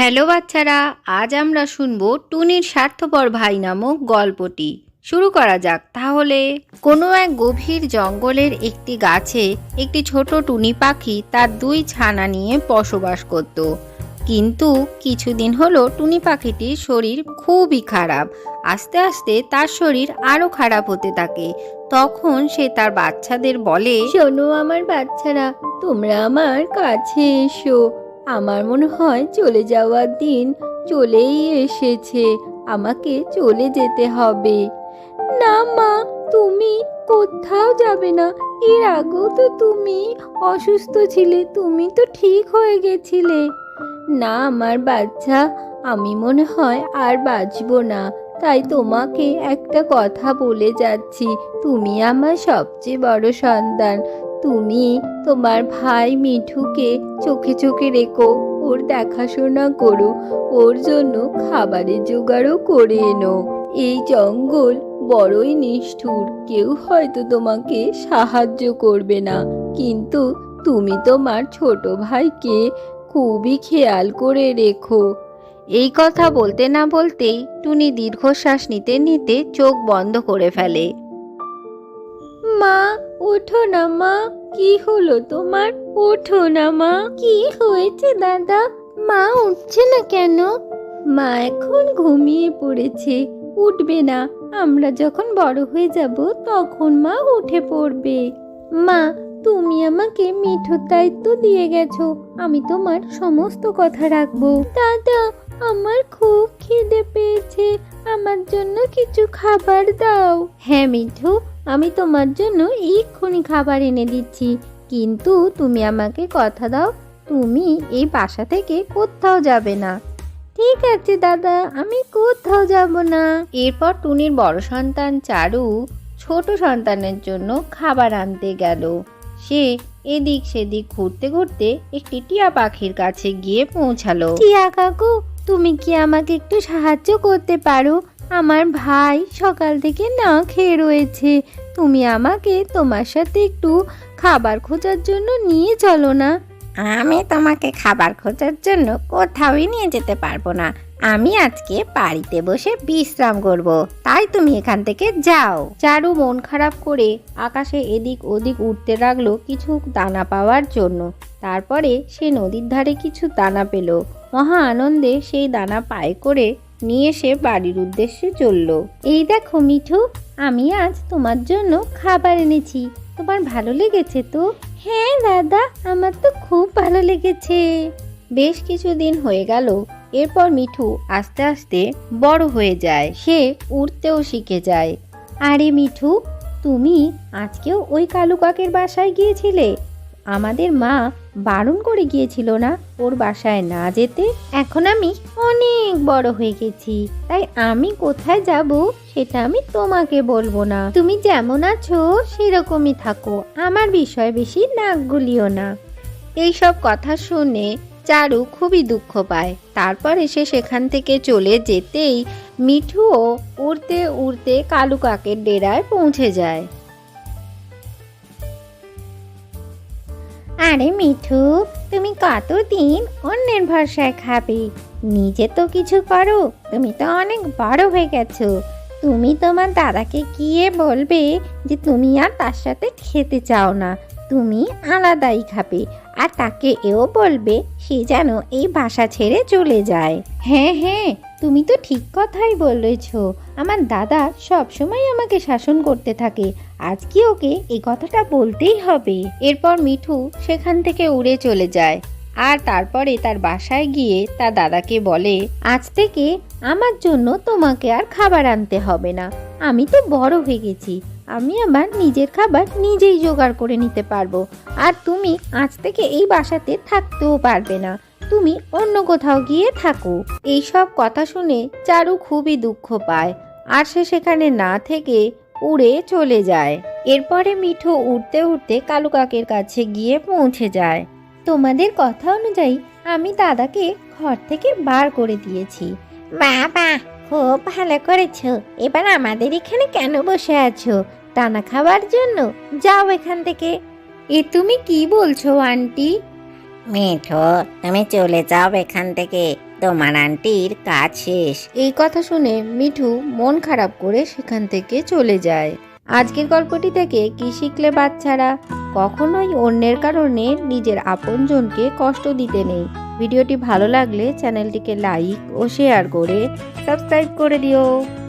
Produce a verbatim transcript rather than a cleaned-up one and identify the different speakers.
Speaker 1: Hello বাচ্চারা, আজ আমরা শুনবো টুনির স্বার্থপর ভাই নামক গল্পটি। শুরু করা যাক তাহলে। কোনো এক গভীর জঙ্গলের একটি গাছে একটি ছোট টুনি পাখি তার দুই ছানা নিয়ে বসবাস করত। কিন্তু কিছুদিন হলো টুনি পাখিটির শরীর খুবই খারাপ। আস্তে আস্তে তার শরীর আরো খারাপ হতে থাকে। তখন সে তার বাচ্চাদের বলে,
Speaker 2: শোনো আমার বাচ্চারা, তোমরা আমার কাছে এসো। আমার মনে হয় চলে যাওয়ার দিন চলেই এসেছে, আমাকে চলে যেতে হবে। না মা, তুমি কোথাও যাবে না। এর আগেও তো তুমি অসুস্থ ছিলে, তুমি তো ঠিক হয়ে গেছিলে। না আমার বাচ্চা, আমি মনে হয় আর বাঁচবো না, তাই তোমাকে একটা কথা বলে যাচ্ছি। তুমি আমার সবচেয়ে বড় সন্তান। তুমি তোমার ভাই মিঠুকে চোখে চোখে রেখো, ওর দেখাশোনা করো, ওর জন্য খাবারের জোগাড়ও করে এনো। এই জঙ্গল বড়ই নিষ্ঠুর, কেউ হয়তো তোমাকে সাহায্য করবে না, কিন্তু তুমি তোমার ছোট ভাইকে খুবই খেয়াল করে রেখো।
Speaker 1: এই কথা বলতে না বলতেই টুনি দীর্ঘশ্বাস নিতে নিতে চোখ বন্ধ করে ফেলে।
Speaker 2: মা, ওঠো না মা, কি হলো তোমার? ওঠো না মা। কি হয়েছে দাদা? মা উঠছে না কেন? মা এখন ঘুমিয়ে পড়েছে, উঠবে না। আমরা যখন বড় হয়ে যাব তখন মা উঠে পড়বে। মা, তুমি আমাকে মিঠুর দায়িত্ব দিয়ে গেছো, আমি তোমার সমস্ত কথা রাখবো। দাদা, আমার খুব খিদে পেয়েছে, আমার জন্য কিছু খাবার দাও। হ্যাঁ মিঠু, আমি তোমার জন্য এক্ষুনি খাবার এনে দিচ্ছি, কিন্তু তুমি আমাকে কথা দাও, তুমি এই বাসা থেকে কোথাও যাবে না। ঠিক আছে দাদা, আমি কোথাও যাব না।
Speaker 1: এরপর টুনির বড় সন্তান চারু ছোট সন্তানের জন্য খাবার আনতে গেল। সে এদিক সেদিক ঘুরতে ঘুরতে একটি টিয়া পাখির কাছে গিয়ে পৌঁছালো।
Speaker 2: টিয়া কাকু, তুমি কি আমাকে একটু সাহায্য করতে পারো? আমার ভাই সকাল থেকে না খেয়ে রয়েছে, তুমি আমাকে তোমার সাথে একটু খাবার খোঁজার জন্য নিয়ে চলো না।
Speaker 1: আমি তোমাকে খাবার খোঁজার জন্য কোথাওই নিয়ে যেতে পারবো না। আমি আজকে বাড়িতে বসে বিশ্রাম করব, তাই তুমি এখান থেকে যাও। চারু মন খারাপ করে আকাশে এদিক ওদিক উঠতে লাগলো কিছু দানা পাওয়ার জন্য। তারপরে সে নদীর ধারে কিছু দানা পেল। মহা আনন্দে সেই দানা পায়ে করে নিয়ে সে বাড়ির উদ্দেশ্যে চলল।
Speaker 2: এই দেখো মিঠু, আমি আজ তোমার জন্য খাবার এনেছি, তোমার ভালো লেগেছে তো? হ্যাঁ দাদা, আমার তো খুব ভালো লেগেছে।
Speaker 1: বেশ কিছুদিন হয়ে গেল। এরপর মিঠু আস্তে আস্তে বড় হয়ে যায়, সে উড়তেও শিখে যায়।
Speaker 2: আরে মিঠু, তুমি আজকেও ওই কালু কাকের বাসায় গিয়েছিলে? আমাদের মা বারণ করে গিয়েছিল না ওর বাসায় না যেতে। এখন আমি অনেক বড় হয়ে গেছি, তাই আমি কোথায় যাব সেটা আমি তোমাকে বলবো না। তুমি যেমন আছো সেরকমই থাকো, আমার বিষয় বেশি নাক গলিও না।
Speaker 1: এইসব কথা শুনে চারু খুবই দুঃখ পায়। তারপরে সে সেখান থেকে চলে যেতেই মিঠুও উড়তে উড়তে কালু কাকের ডেরায় পৌঁছে যায়।
Speaker 2: আরে মিঠু, তুমি কতদিন অন্যের ভরসায় খাবে? নিজে তো কিছু করো, তুমি তো অনেক বড় হয়ে গেছো। তুমি তোমার দাদাকে গিয়ে বলবে যে তুমি আর তার সাথে খেতে চাও না, তুমি আলাদাই খাবে। আর তাকে এও বলবে সে যেন এই বাসা ছেড়ে চলে যায়। হ্যাঁ হ্যাঁ, তুমি তো ঠিক কথাই বলেছ। আমার দাদা সব সময় আমাকে শাসন করতে থাকে, আজকে ওকে এই কথাটা বলতেই হবে।
Speaker 1: এরপর মিঠু সেখান থেকে উড়ে চলে যায় আর তারপরে তার বাসায় গিয়ে তার দাদাকে বলে,
Speaker 2: আজ থেকে আমার জন্য তোমাকে আর খাবার আনতে হবে না, আমি তো বড় হয়ে গেছি, আমি আমার নিজের খাবার নিজেই জোগাড় করে নিতে পারবো। আর তুমি আজ থেকে এই বাসাতে থাকতেও পারবে না, তুমি অন্য কোথাও গিয়ে থাকো।
Speaker 1: এইসব কথা শুনে চারু খুবই দুঃখ পায় আর সে সেখানে না থেকে উড়ে চলে যায়। এরপরে মিঠু উড়তে উড়তে কালু কাকের কাছে গিয়ে পৌঁছে যায়।
Speaker 2: তোমাদের কথা অনুযায়ী আমি দাদাকে ঘর থেকে বার করে দিয়েছি। বাবা, খুব ভালো করেছো। এবার আমাদের এখানে কেন বসে আছো? দানা খাবার জন্য? যাও এখান থেকে।
Speaker 1: এ তুমি কি বলছো আন্টি?
Speaker 3: মিঠু, তুমি চলে যাও এখান থেকে, তোমার আন্টির কাজ শেষ।
Speaker 1: এই কথা শুনে মিঠু মন খারাপ করে সেখান থেকে চলে যায়। আজকের গল্পটি থেকে কি শিখলে বাচ্চারা? কখনোই অন্যের কারণে নিজের আপনজনকে কষ্ট দিতে নেই। ভিডিওটি ভালো লাগলে চ্যানেলটিকে লাইক ও শেয়ার করে সাবস্ক্রাইব করে দিও।